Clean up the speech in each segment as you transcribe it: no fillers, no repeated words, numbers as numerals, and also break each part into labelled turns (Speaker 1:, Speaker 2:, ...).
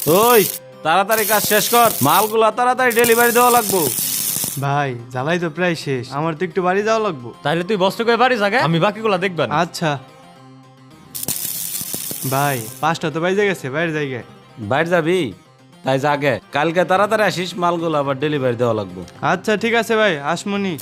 Speaker 1: ওই তাড়াতাড়ি কাজ শেষ কর, মালগুলা তাড়াতাড়ি ডেলিভারি দেওয়া লাগবো।
Speaker 2: ভাই জ্বালাই তো প্রায় শেষ, আমার তো একটু বাড়ি যাওয়া লাগবো।
Speaker 3: তাইলে তুই বস্ত করে বাড়ি জাগে, আমি বাকিগুলা দেখবেন।
Speaker 2: আচ্ছা ভাই 5টা তো বাইরে গেছে, বাইরে জায়গায়।
Speaker 1: বাইরে যাবি? তাই জাগে, কালকে তাড়াতাড়ি আসিস, মালগুলো আবার ডেলিভারি দেওয়া লাগবো।
Speaker 2: আচ্ছা ঠিক আছে ভাই, আসমনি।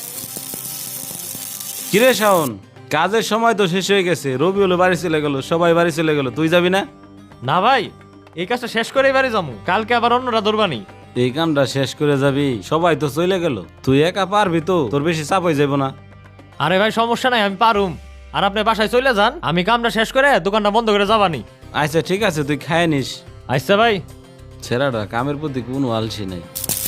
Speaker 1: কিরে শাওন, কাজের সময় তো শেষ হয়ে গেছে, রবিউল বাড়ি চলে গেল, সবাই বাড়ি চলে গেল, তুই যাবি না?
Speaker 3: না ভাই, এই কাজটা শেষ করেই বাড়ি যাবো, কালকে আবার অন্যরা ধরবানি।
Speaker 1: এই কামটা শেষ করে যাবি? সবাই তো চলে গেল, তুই একা পারবি তো? তোর বেশি চাপ হয়ে যাবো না?
Speaker 3: আরে ভাই সমস্যা নাই, আমি পারুম। আর আপনি বাসায় চলে যান, আমি কামটা শেষ করে দোকানটা বন্ধ করে যাবানি।
Speaker 1: আচ্ছা ঠিক আছে, তুই খায় নিস।
Speaker 3: আচ্ছা ভাই।
Speaker 1: ছেলেটা কামের প্রতি কোনো আলসি নাই।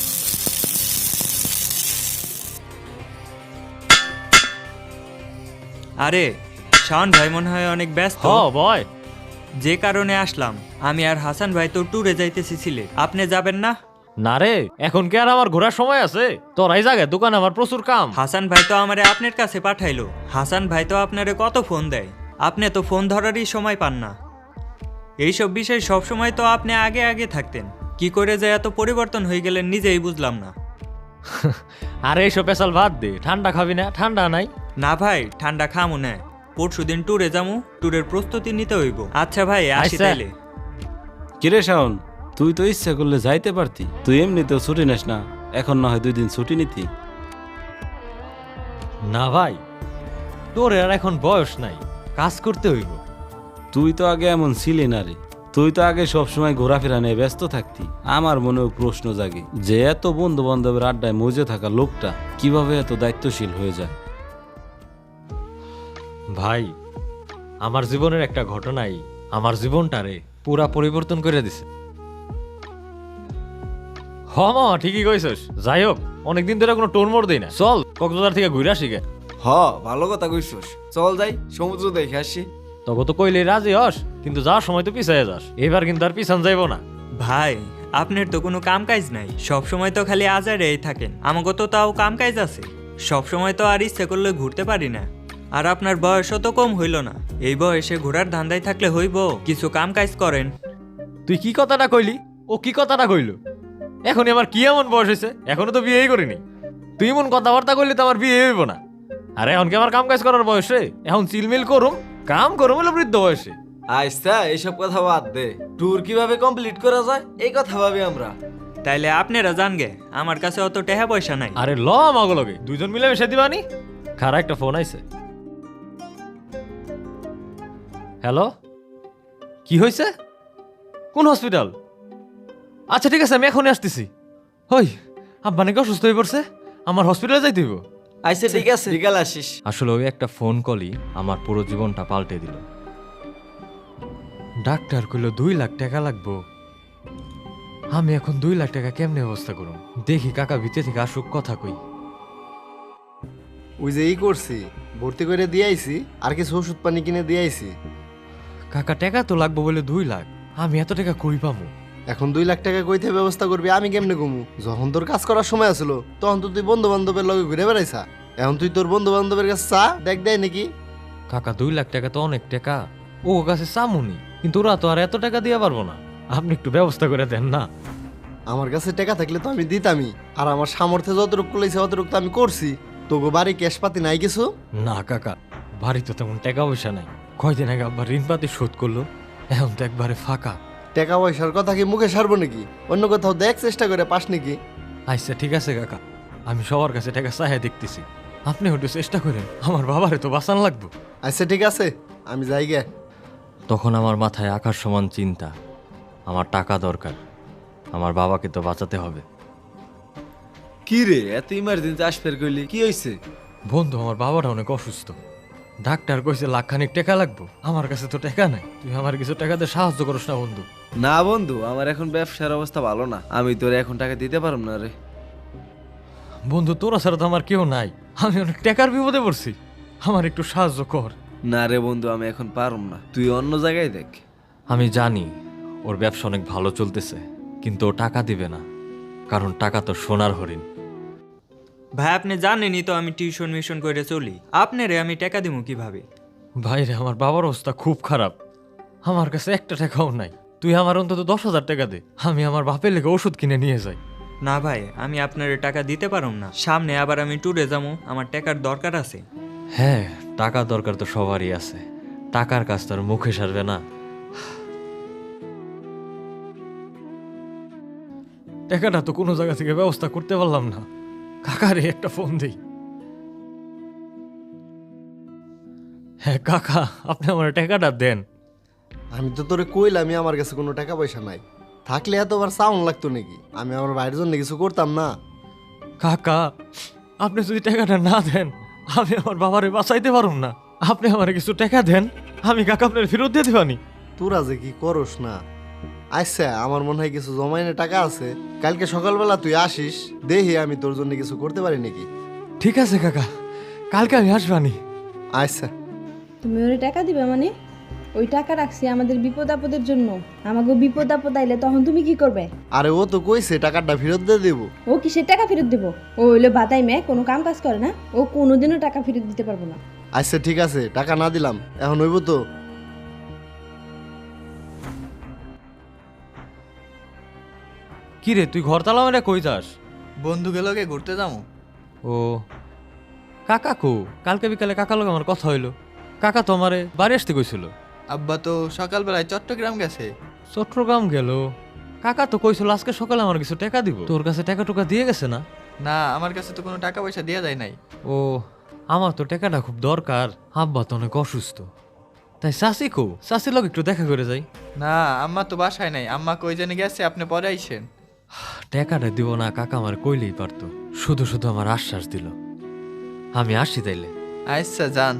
Speaker 4: আরে শাওন ভাই মনে হয় অনেক ব্যস্ত,
Speaker 3: হ বয়।
Speaker 4: যে কারণে আসলাম। আমি আর হাসান ভাই তো ট্যুরে যাইতেছি সিলেট, আপনি যাবেন না?
Speaker 3: না রে, এখন কি আর আমার ঘোরার সময় আছে? তোরাই জাগে, দোকান আমার প্রচুর কাম।
Speaker 4: হাসান ভাই তো আমারে আপনার কাছে পাঠাইলো। হাসান ভাই তো আপনারে কত ফোন দেয়, আপনি তো ফোন ধরারই সময় পান না। এইসব বিষয় সব সময় তো আপনি আগে আগে থাকতেন, কি করে যে এত পরিবর্তন হয়ে গেলেন নিজেই বুঝলাম না।
Speaker 3: আরে এইসব পেশাল ভাত দে, ঠান্ডা খাবি না? ঠান্ডা নাই।
Speaker 4: না ভাই, ঠান্ডা খামু না, পরশুদিন ট্যুরে যামু, ট্যুরের প্রস্তুতি নিতে হইব। আচ্ছা ভাই আসি
Speaker 3: আচ্ছা।
Speaker 4: তাইলে।
Speaker 1: কিরে শাওন, তুই তো ইচ্ছা করলে যাইতে পারতি, তুই এমনিতেও ছুটি নিস না, এখন না হয় 2 দিন ছুটি নিতি।
Speaker 3: না ভাই, তোর আর এখন বয়স নাই, কাজ করতে হইব।
Speaker 1: তুই তো আগে এমন ছিলি না রে, তুই তো আগে সবসময় ঘোরাফেরা নিয়ে ব্যস্ত থাকতি। আমার মনেও প্রশ্ন জাগে যে এত বন্ধু বান্ধবের আড্ডায় মজে থাকা লোকটা কিভাবে এত দায়িত্বশীল হয়ে যায়।
Speaker 3: ভাই, আমার জীবনের একটা ঘটনাই আমার জীবনটারে পুরা পরিবর্তন করে দিছে। হ মামা, ঠিকই কইছস। যাই হোক, অনেকদিন ধরে কোনো টোর মোড় দেই না, চল কক্সবাজার থেকে ঘুরে আসি গে।
Speaker 5: হ, ভালো কথা কইছস, চল যাই সমুদ্র দেখে আসি।
Speaker 3: তবে তো কইলে রাজি হস, কিন্তু যাওয়ার সময় তো পিছাইয়া যাস। এবার কিন্তু আর পিছান যাইবো না।
Speaker 4: ভাই আপনার তো কোনো কাম কাজ নাই, সব সময় তো খালি আজারেই থাকেন। আমাকে তো তাও কাম কাজ আছে, সব সময় তো আর ইচ্ছে করলে ঘুরতে পারি না। আর আপনার বয়সও তো কম হইল না, এই বয়সে ঘোরার ধান্দায় থাকলে হইব, কিছু কাম কাজ করেন।
Speaker 3: তুই কি কথাটা কইলি? ও কি কথাটা কইল? এখনই আমার কি এমন বয়স হয়েছে? এখনো তো বিয়েই করিনি। তুই এমন কথাবার্তা কইলি তো আমার বিয়ে হইব না। আরে এখন কি আমার কাম কাজ করার বয়সে? এখন চিলমিল করুম, কাম করুম হলো বৃদ্ধ বয়সে।
Speaker 5: আচ্ছা এইসব কথা বাদ দে, ট্যুর কিভাবে কমপ্লিট করা যায় এই কথা ভাবি আমরা।
Speaker 4: তাইলে আপনারা জান গে, আমার কাছে অত টাকা পয়সা নাই।
Speaker 3: আরে ল আমাগুলোকে দুইজন মিলে মিশে দিবানি। খারা একটা ফোন আইছে। হ্যালো, কি হয়েছে? কোন হসপিটাল? আচ্ছা ঠিক আছে, আমি এখনই আসতেছি। হই, আব্বা নাকি অসুস্থ হয়ে পড়ছে, আমার হসপিটালে যাইতে হইব।
Speaker 5: আচ্ছা ঠিক আছে, বিকাল আসিস।
Speaker 3: আসলে ওই একটা ফোন কলই আমার পুরো জীবনটা পাল্টে দিল। ডাক্তার কইল 2 লাখ টাকা লাগবো। আমি এখন 2 লাখ টাকা কেমনে ব্যবস্থা করুম? দেখি কাকা ভিতরে থেকে আসুক, কথা কই।
Speaker 6: ওই যে ই করছি, ভর্তি করে দিয়ে আইছি, আর কিছু ওষুধ পানি কিনে দিয়ে আইছি।
Speaker 3: কাকা টাকা তো লাগবো বলে 2 লাখ, আমি এত টাকা কই পামু?
Speaker 6: এখন 2 লাখ টাকা কইতে ব্যবস্থা করবি, আমি কেমনে কমু? যখন তোর কাজ করার সময় আসলো তখন তো তুই বন্ধু বান্ধবের লগে ঘুরে বেড়াইছা, এখন তুই তোর বন্ধু বান্ধবের কাছে চা দেখ দেয় নাকি?
Speaker 3: কাকা 2 লাখ টাকা তো অনেক টাকা, ও কাছে চামুনি, কিন্তু ওরা তো আর এত টাকা দিয়ে পারবো না। আপনি একটু ব্যবস্থা করে দেন না?
Speaker 6: আমার কাছে টাকা থাকলে তো আমি দিতামই, আর আমার সামর্থ্যে যতটুকু কুলাইছে অতটুকু তো আমি করছি। তোকে বাড়ি ক্যাশ পাতি নাই কিছু?
Speaker 3: না কাকা, বাড়িতে তেমন টাকা পয়সা নাই। কয়দিন আগে আব্বা ঋণ পাতি শোধ করলো, এখন তো একবারে ফাঁকা।
Speaker 6: টাকা পয়সার কথা কি মুখে সারবো নাকি? অন্য কোথাও দেখ, চেষ্টা করে পাস নাকি?
Speaker 3: আচ্ছা ঠিক আছে কাকা, আমি সবার কাছে টাকা চাহিয়া দেখতেছি, আপনি একটু চেষ্টা করেন, আমার বাবারে তো বাঁচান লাগবো।
Speaker 6: আচ্ছা ঠিক আছে, আমি যাই গে।
Speaker 3: তখন আমার মাথায় আকাশ সমান চিন্তা, আমার টাকা দরকার, আমার বাবাকে তো বাঁচাতে হবে।
Speaker 5: কি রে, এত ইমার্জেন্সি আসফের কইলি, কি হইছে?
Speaker 3: বন্ধু, আমার বাবাটা অনেক অসুস্থ, ডাক্তার কইছে লাখখানিক টাকা লাগবো। আমার কাছে তো টাকা নাই, তুই আমার কিছু টাকা দিয়ে সাহায্য করিস না বন্ধু?
Speaker 5: না বন্ধু, আমার এখন ব্যবসার অবস্থা ভালো না, আমি তোরে এখন টাকা দিতে পারব না রে।
Speaker 3: বন্ধু, তোরা ছাড়া তো আমার কেউ নাই, আমি অনেক টাকার বিপদে পড়ছি, আমার একটু সাহায্য কর।
Speaker 5: না রে বন্ধু, আমি এখন পারব না, তুই অন্য জায়গায় দেখ।
Speaker 3: আমি জানি ওর ব্যবসা অনেক ভালো চলতেছে, কিন্তু ও টাকা দিবে না, কারণ টাকা তো সোনার হরিণ।
Speaker 4: ভাই আপনি জানেনই তো আমি টিউশন মিশন করে চলি, আপনারে আমি টাকা দিব কিভাবে?
Speaker 3: ভাইরে, আমার বাবার অবস্থা খুব খারাপ, আমার কাছে একটা টাকাও নাই। তুই আমার অন্তত 10,000 টাকা দে, আমি আমার বাপের লেগে ওষুধ কিনে নিয়ে যাই।
Speaker 4: না ভাই, আমি আপনার টাকা দিতে পারুম না। সামনে আবার আমি ট্যুরে যাবো, আমার টাকার দরকার আছে।
Speaker 3: হ্যাঁ, টাকা দরকার তো সবারই আছে, টাকার কাজ তোর মুখে সারবে না। টাকাটা তো কোনো জায়গা থেকে ব্যবস্থা করতে পারলাম না। কাকারে একটা ফোন দেই। হ্যাঁ কাকা, আপনি আমার টাকাটা দেন।
Speaker 6: আমি তো তোরে কইলাম আমার কাছে কোনো টাকা পয়সা নাই, থাকলে এতবার সাউন্ড লাগতো নাকি? আমি আমার বাইরের জন্য কিছু করতাম না?
Speaker 3: কাকা, আপনি যদি টাকাটা না দেন আমি আমার বাবারে বাঁচাইতে পারুম না। আপনি আমার কিছু টাকা দেন, আমি কাকা আপনার ফেরত দিয়ে দিবানি।
Speaker 6: তোরা যে কি করস না। আচ্ছা, আমার মনে হয় কিছু জমাইনে টাকা আছে, কালকে সকালবেলা তুই আসিস, দেখি আমি তোর জন্য কিছু করতে পারি নাকি।
Speaker 3: ঠিক আছে কাকা, কালকে আমি আসবানি।
Speaker 6: আচ্ছা।
Speaker 7: তুমি ওরে টাকা দিবে মানে? ওই টাকা রাখছি আমাদের বিপদ আপদের জন্য। আমাকে বিপদ আপদ আইলে তখন তুমি কি করবে?
Speaker 6: আরে ও তো কইছে টাকাটা ফেরত দিয়ে দেবো।
Speaker 7: ও কিসের টাকা ফেরত দেবো? ও হইলো বাতাই মেয়ে, কোনো কাম কাজ করে না। ও কোনোদিনও টাকা ফেরত দিতে পারবো না।
Speaker 6: আচ্ছা ঠিক আছে, টাকা না দিলাম, এখন হইব তো?
Speaker 3: কি রে, তুই ঘর তালা মানে কই যাস?
Speaker 8: বন্ধুকে লগে ঘুরতে যাবো।
Speaker 3: ও কাকা কো? কালকে বিকালে কাকা লোক আমার কথা হইলো। কাকা তো আমারে বাড়ি আসতে কইছিল।
Speaker 8: আব্বা তো সকালবেলায় চট্টগ্রাম গেছে।
Speaker 3: চট্টগ্রাম গেল? কাকা তো কইছিল আজকে সকালে আমার কিছু টাকা দিব। তোর কাছে টাকা টুকা দিয়ে গেছে না?
Speaker 8: না, আমার কাছে তো কোনো টাকা পয়সা দেওয়া যায় নাই।
Speaker 3: ও, আমার তো টাকাটা খুব দরকার। আব্বা তো অনেক অসুস্থ, তাই চাষি কো? চাষির লোক একটু দেখা করে যাই।
Speaker 8: না, আম্মা তো বাসায় নাই, আম্মা কই জানি গেছে, আপনি পরে আইসেন।
Speaker 3: টাকাটা দিব না কাকা আমার কইলেই পারতো, শুধু শুধু আমার আশ্বাস দিল। আমি আসি তাইলে।
Speaker 8: আচ্ছা যান।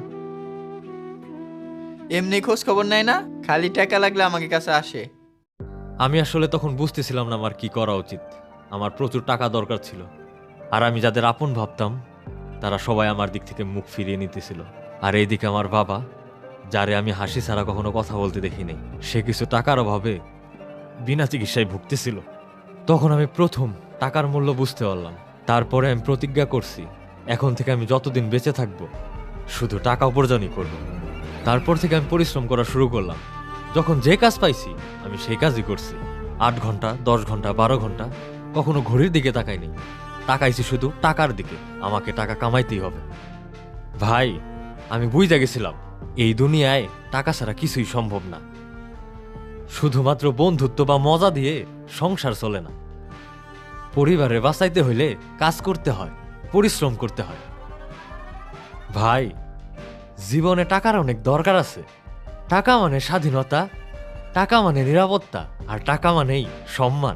Speaker 8: এমনি খোঁজ খবর নাই না, খালি টাকা লাগলে আমাকে কাছে আসে।
Speaker 3: আমি আসলে তখন বুঝতেছিলাম না আমার কি করা উচিত। আমার প্রচুর টাকা দরকার ছিল, আর আমি যাদের আপন ভাবতাম তারা সবাই আমার দিক থেকে মুখ ফিরিয়ে নিতেছিল। আর এইদিকে আমার বাবা, যারে আমি হাসি ছাড়া কখনো কথা বলতে দেখিনি, সে কিছু টাকার অভাবে বিনা চিকিৎসায় ভুগতেছিল। তখন আমি প্রথম টাকার মূল্য বুঝতে পারলাম। তারপরে আমি প্রতিজ্ঞা করছি, এখন থেকে আমি যতদিন বেঁচে থাকবো শুধু টাকা উপার্জনই করব। তারপর থেকে আমি পরিশ্রম করা শুরু করলাম। যখন যে কাজ পাইছি আমি সেই কাজই করছি। 8 ঘন্টা, 10 ঘন্টা, 12 ঘন্টা, কখনো ঘড়ির দিকে তাকাইনি। তাকাইছি শুধু টাকার দিকে। আমাকে টাকা কামাইতেই হবে। ভাই, আমি বুঝে গেছিলাম এই দুনিয়ায় টাকা ছাড়া কিছুই সম্ভব না। শুধুমাত্র বন্ধুত্ব বা মজা দিয়ে সংসার চলে না। পরিবারে বাঁচাইতে হইলে কাজ করতে হয়, পরিশ্রম করতে হয়। ভাই, জীবনে টাকার অনেক দরকার আছে। টাকা মানে স্বাধীনতা, টাকা মানে নিরাপত্তা, আর টাকা মানেই সম্মান।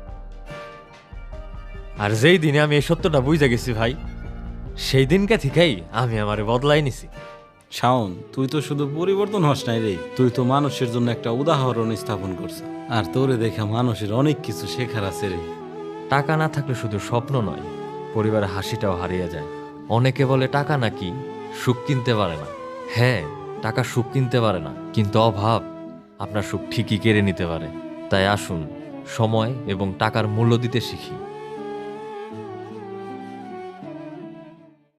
Speaker 3: আর যেই দিনে আমি এই সত্যটা বুঝে গেছি ভাই, সেই দিনকে থেকেই আমি আমারে বদলাই নিছি।
Speaker 1: শাওন, তুই তো শুধু পরিবর্তন হস নাই রে, তুই তো মানুষের জন্য একটা উদাহরণ স্থাপন করছিস। আর তোরে দেখা মানুষের অনেক কিছু শেখার আছে রে।
Speaker 3: টাকা না থাকলে শুধু স্বপ্ন নয়, পরিবারের হাসিটাও হারিয়ে যায়। অনেকে বলে টাকা নাকি সুখ কিনতে পারে না। হ্যাঁ, টাকা সুখ কিনতে পারে না, কিন্তু অভাব আপনার সুখ ঠিকই কেড়ে নিতে পারে। তাই আসুন সময় এবং টাকার মূল্য দিতে শিখি।